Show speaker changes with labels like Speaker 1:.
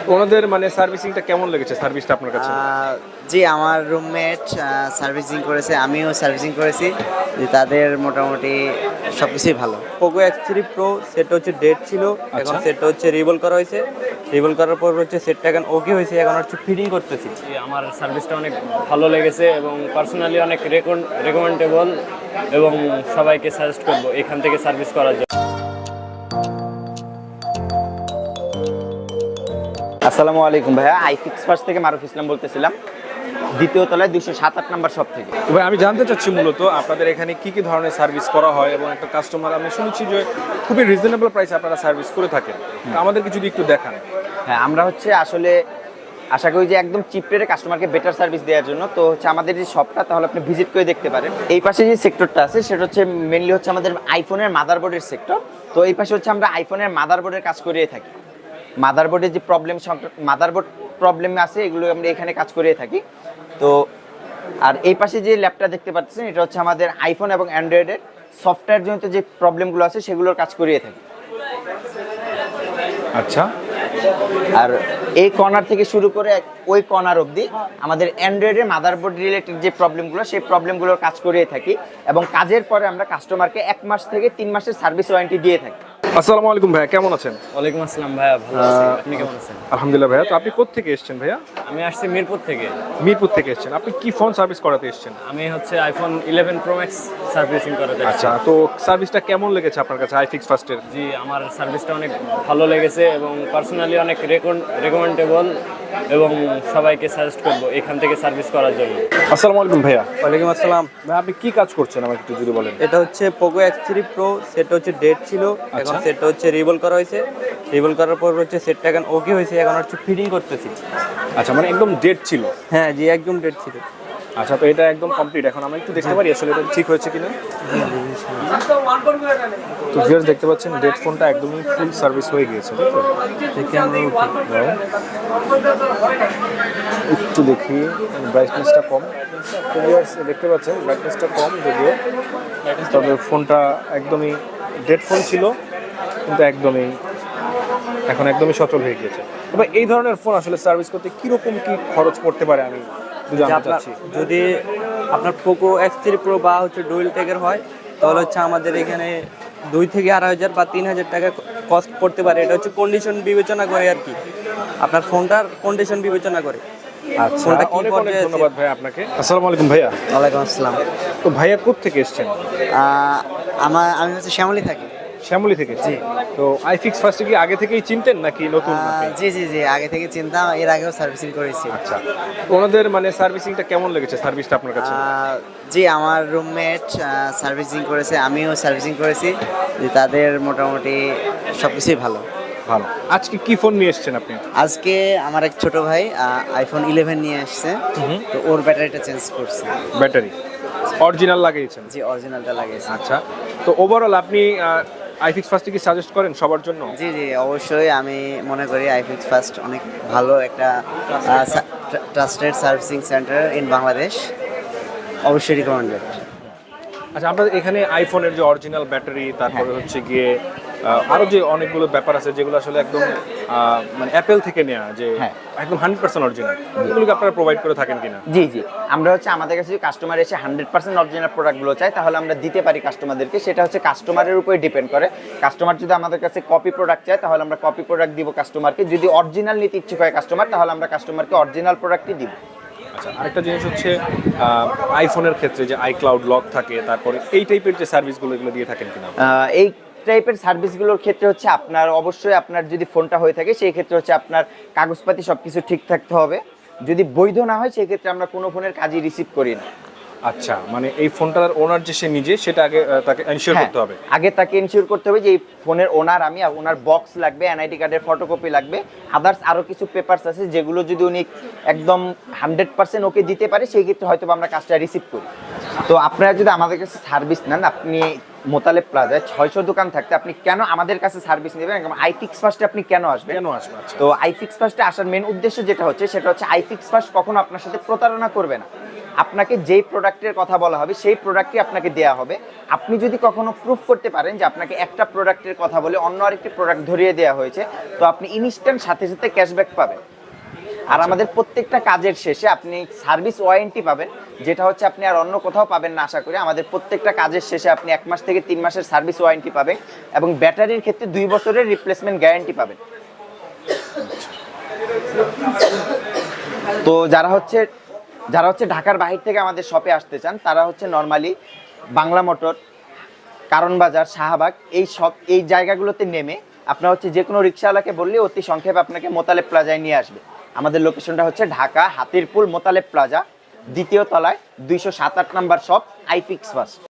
Speaker 1: ওনাদের মানে সার্ভিসিংটা কেমন লেগেছে, সার্ভিসটা আপনার কাছে?
Speaker 2: জি, আমার রুমমেট সার্ভিসিং করেছে, আমিও সার্ভিসিং করেছি। যে তাদের মোটামুটি সব কিছুই ভালো।
Speaker 3: পোকো X3 Pro সেটটা হচ্ছে ডেট ছিল, এখন
Speaker 1: আচ্ছা।
Speaker 3: সেটটা হচ্ছে রিভল করা হয়েছে। রিভল করার পর হচ্ছে সেটটা এখন ওকে হয়েছে, এখন হচ্ছে ফিটিং করতেছি।
Speaker 4: আমার সার্ভিসটা অনেক ভালো লেগেছে এবং পার্সোনালি অনেক রেকমেন্ডেবল এবং সবাইকে সাজেস্ট করব এখান থেকে সার্ভিস করার জন্য।
Speaker 5: আসসালামু আলাইকুম ভাইয়া, আইফিক্স ফার্স্ট থেকে মারুফ ইসলাম বলতেছিলাম, দ্বিতীয় তলায় 207 নম্বর শপ থেকে।
Speaker 1: তো ভাই আমি জানতে চাচ্ছি মূলত আপনাদের এখানে কি কি ধরনের সার্ভিস করা হয় এবং একটা কাস্টমার, আমি শুনেছি যে খুবই রিজনেবল প্রাইসে আপনারা সার্ভিস করে থাকেন, তো আমাদেরকে যদি একটু দেখান।
Speaker 5: হ্যাঁ, আমরা হচ্ছে আসলে আশা করি যে একদম চিপ রেটে কাস্টমারকে বেটার সার্ভিস দেওয়ার জন্য। তো হচ্ছে আমাদের যে শপটা, তাহলে আপনি ভিজিট করে দেখতে পারেন। এই পাশে যে সেক্টরটা আছে সেটা হচ্ছে মেনলি হচ্ছে আমাদের আইফোনের মাদারবোর্ডের সেক্টর। তো এই পাশে হচ্ছে আমরা আইফোনের মাদারবোর্ডের কাজ করিয়ে থাকি। মাদারবোর্ডের যে মাদারবোর্ড প্রবলেম আছে এগুলো আমরা এখানে কাজ করিয়ে থাকি। তো আর এই পাশে যে ল্যাপটপ দেখতে পাচ্ছেন, এটা হচ্ছে আমাদের আইফোন এবং অ্যান্ড্রয়েডের সফটওয়্যার জনিত যে প্রবলেমগুলো আছে সেগুলোর কাজ করিয়ে থাকি।
Speaker 1: আচ্ছা,
Speaker 5: আর এই কর্নার থেকে শুরু করে ওই কর্নার অবধি আমাদের অ্যান্ড্রয়েডের মাদারবোর্ড রিলেটেড যে প্রবলেমগুলো, সেই প্রবলেমগুলোর কাজ করিয়ে থাকি এবং কাজের পরে আমরা কাস্টমারকে 1 মাস থেকে 3 মাসের সার্ভিস ওয়ারেন্টি দিয়ে থাকি।
Speaker 1: আসসালামু আলাইকুম ভাইয়া, কেমন আছেন?
Speaker 4: ওয়ালাইকুম আসসালাম ভাইয়া, ভালো আছি। আপনি কেমন আছেন?
Speaker 1: আলহামদুলিল্লাহ ভাইয়া। তো আপনি কোত্থেকে এসেছেন ভাইয়া?
Speaker 4: আমি আসছি মিরপুর থেকে।
Speaker 1: মিরপুর থেকে এসেছেন। আপনি কি ফোন সার্ভিস করাতে এসেছেন?
Speaker 4: আমি হচ্ছে আইফোন 11 প্রো ম্যাক্স সার্ভিসিং করাতে আসছি।
Speaker 1: আচ্ছা, তো সার্ভিসটা কেমন লেগেছে আপনার কাছে আইফিক্স ফার্স্টের?
Speaker 4: জি, আমার সার্ভিসটা অনেক ভালো লেগেছে এবং পার্সোনালি অনেক রেকমেন্ডেবল এবং সবাইকে সাজেস্ট করব এখান থেকে সার্ভিস করার জন্য।
Speaker 1: আসসালামু আলাইকুম ভাইয়া।
Speaker 3: ওয়ালাইকুম আসসালাম।
Speaker 1: ভাই আপনি কি কাজ করছেন আমাকে একটু যদি বলেন।
Speaker 3: এটা হচ্ছে পোকো X3 Pro সেটটা হচ্ছে ডেট ছিল, এখন
Speaker 1: আচ্ছা।
Speaker 3: সেটটা হচ্ছে রিভল করা হয়েছে। রিভল করার পর হচ্ছে সেটটা এখন ওকে হয়েছে, এখন হচ্ছে ফিটিং করতেছি।
Speaker 1: আচ্ছা, মানে একদম ডেট ছিল?
Speaker 3: হ্যাঁ জি, একদম ডেট ছিল।
Speaker 1: আচ্ছা, তো এটা একদম কমপ্লিট, এখন আমরা একটু দেখতে পারি আসলে এটা ঠিক হয়েছে কিনা। তো ভিউয়ার্স দেখতে পাচ্ছেন ডেট ফোনটা একদমই ফুল সার্ভিস হয়ে গিয়েছে, তাই তো?
Speaker 3: দেখি আমরা উঠি।
Speaker 1: দাও। একটু দেখি, ব্রাইটনেসটা কম। তো ভিউয়ার্স দেখতে পাচ্ছেন ব্রাইটনেসটা কম যদিও, তবে ফোনটা একদমই ডেট ফোন ছিল কিন্তু একদমই এখন একদমই সচল হয়ে গিয়েছে। তবে এই ধরনের ফোন আসলে সার্ভিস করতে কিরকম কি খরচ পড়তে পারে আমি একটু জানতে চাচ্ছি।
Speaker 3: যদি আপনার পোকো X3 Pro বা হচ্ছে ডুয়েল টেকের হয়, তাহলে হচ্ছে আমাদের এখানে 2 থেকে 2,500 বা 3,000 টাকা কস্ট পড়তে পারে। এটা হচ্ছে কন্ডিশন বিবেচনা করে আর কি, আপনার ফোনটার কন্ডিশন বিবেচনা করে।
Speaker 1: আচ্ছা,
Speaker 3: ফোনটা কি
Speaker 1: অনেক অনেক
Speaker 3: পর্যায়ে আছে?
Speaker 1: ধন্যবাদ ভাই আপনাকে। আসসালামু আলাইকুম ভাইয়া।
Speaker 2: ওয়ালাইকুম আসসালাম।
Speaker 1: তো ভাইয়া কোত্থেকে এসেছেন?
Speaker 2: আমি হচ্ছে শ্যামলী থাকি।
Speaker 1: শ্যামলী থেকে?
Speaker 2: জি।
Speaker 1: তো আইফিক্স ফার্স্টে কি আগে থেকেই চিনতেন নাকি নতুন আপনি?
Speaker 2: জি জি জি, আগে থেকে চিন্তা, এর আগেও সার্ভিসিং করেছি।
Speaker 1: আচ্ছা, তো ওনাদের মানে সার্ভিসিংটা কেমন লেগেছে, সার্ভিসটা আপনার কাছে?
Speaker 2: জি, আমার রুমমেট সার্ভিসিং করেছে, আমিও সার্ভিসিং করেছি। যে তাদের মোটামুটি সব কিছুই ভালো।
Speaker 1: ভালো। আজকে কি ফোন নিয়ে এসেছেন আপনি?
Speaker 2: আজকে আমার এক ছোট ভাই আইফোন 11 নিয়ে আসছে, তো ওর ব্যাটারিটা চেঞ্জ করছে।
Speaker 1: ব্যাটারি অরিজিনাল লাগিয়েছেন?
Speaker 2: জি, অরিজিনালটা লাগিয়েছে।
Speaker 1: আচ্ছা, তো ওভারঅল আপনি আইফিক্স ফার্স্টে কি সাজেস্ট করেন সবার জন্য?
Speaker 2: জি জি, অবশ্যই আমি মনে করি আইফিক্স ফার্স্ট অনেক ভালো একটা trusted servicing centre in Bangladesh, অবশ্যই রিকমেন্ডেড।
Speaker 1: আচ্ছা, আপনাদের এখানে আইফোনের যে অরিজিনাল ব্যাটারি, তারপরে হচ্ছে গিয়ে আরো যে অনেকগুলো ব্যাপার আছে যেগুলো আসলে একদম মানে অ্যাপেল থেকে নেওয়া, যে
Speaker 5: হ্যাঁ।
Speaker 1: একদম 100% অরিজিনাল, এগুলোকে আপনারা প্রোভাইড করে থাকেন কিনা?
Speaker 5: জি জি, আমরা হচ্ছে আমাদের কাছে যদি কাস্টমার এসে 100% অরিজিনাল প্রোডাক্টগুলো চায়, তাহলে আমরা দিতে পারি কাস্টমারদেরকে। সেটা হচ্ছে কাস্টমারের উপরে ডিপেন্ড করে। কাস্টমার যদি আমাদের কাছে কপি প্রোডাক্ট চায়, তাহলে আমরা কপি প্রোডাক্ট দিব কাস্টমারকে। যদি অরিজিনাল নিতে ইচ্ছুক হয় কাস্টমার, তাহলে আমরা কাস্টমারকে অরিজিনাল প্রোডাক্টই দিব।
Speaker 1: আচ্ছা, আরেকটা জিনিস হচ্ছে আইফোনের ক্ষেত্রে যে আইক্লাউড লক থাকে, তারপরে এই টাইপের যে সার্ভিসগুলো এগুলো দিয়ে থাকেন কিনা?
Speaker 5: এই টাইপের সার্ভিসগুলোর ক্ষেত্রে হচ্ছে আপনার অবশ্যই আপনার যদি ফোনটা হয়ে থাকে, সেই ক্ষেত্রে হচ্ছে আপনার কাগজপাতি সব কিছু ঠিক থাকতে হবে। যদি বৈধ না হয়, সেই ক্ষেত্রে আমরা কোনো ফোনের কাজই রিসিভ করি না।
Speaker 1: আচ্ছা, মানে এই ফোনটার ওনার যে সে নিজে, সেটা আগে তাকে এনশিওর করতে হবে?
Speaker 5: আগে তাকে এনশিওর করতে হবে যে এই ফোনের ওনার আমি, আর ওনার বক্স লাগবে, এনআইডি কার্ডের ফটোকপি লাগবে, আদার্স আরও কিছু পেপারস আছে যেগুলো যদি উনি একদম 100% ওকে দিতে পারে, সেই ক্ষেত্রে হয়তো আমরা কাজটা রিসিভ করি। তো আপনারা যদি আমাদের কাছে সার্ভিস নেন, আপনি মোতালেব প্লাজায় 600 দোকান থাকতে আপনি কেন আমাদের কাছে সার্ভিস নেবেন? আইফিক্স ফার্স্টে আপনি কেন আসবেন? তো আইফিক্স ফার্স্টে আসার মেন উদ্দেশ্য যেটা হচ্ছে, সেটা হচ্ছে আইফিক্স ফার্স্ট কখনো আপনার সাথে প্রতারণা করবে না। আপনাকে যেই প্রোডাক্টের কথা বলা হবে সেই প্রোডাক্টই আপনাকে দেওয়া হবে। আপনি যদি কখনো প্রুফ করতে পারেন যে আপনাকে একটা প্রোডাক্টের কথা বলে অন্য আরেকটি প্রোডাক্ট ধরিয়ে দেওয়া হয়েছে, তো আপনি ইনস্ট্যান্ট সাথে সাথে ক্যাশব্যাক পাবেন। আর আমাদের প্রত্যেকটা কাজের শেষে আপনি সার্ভিস ওয়ারেন্টি পাবেন, যেটা হচ্ছে আপনি আর অন্য কোথাও পাবেন না আশা করি। আমাদের প্রত্যেকটা কাজের শেষে আপনি 1 মাস থেকে 3 মাসের সার্ভিস ওয়ারেন্টি পাবেন এবং ব্যাটারির ক্ষেত্রে 2 বছরের রিপ্লেসমেন্ট গ্যারান্টি পাবেন। তো যারা হচ্ছে ঢাকার বাহির থেকে আমাদের শপে আসতে চান, তারা হচ্ছে নর্মালি বাংলা মোটর, কারণ বাজার, শাহবাগ এই জায়গাগুলোতে নেমে আপনার হচ্ছে যে কোনো রিক্সাওয়ালাকে বললে অতি সংক্ষেপে আপনাকে মোতালেব প্লাজায় নিয়ে আসবে। আমাদের লোকেশনটা হচ্ছে ঢাকা হাতিরপুল মোতালেব প্লাজা, 2য় তলায় 207-8 নাম্বার শপ, আইফিক্স ফার্স্ট।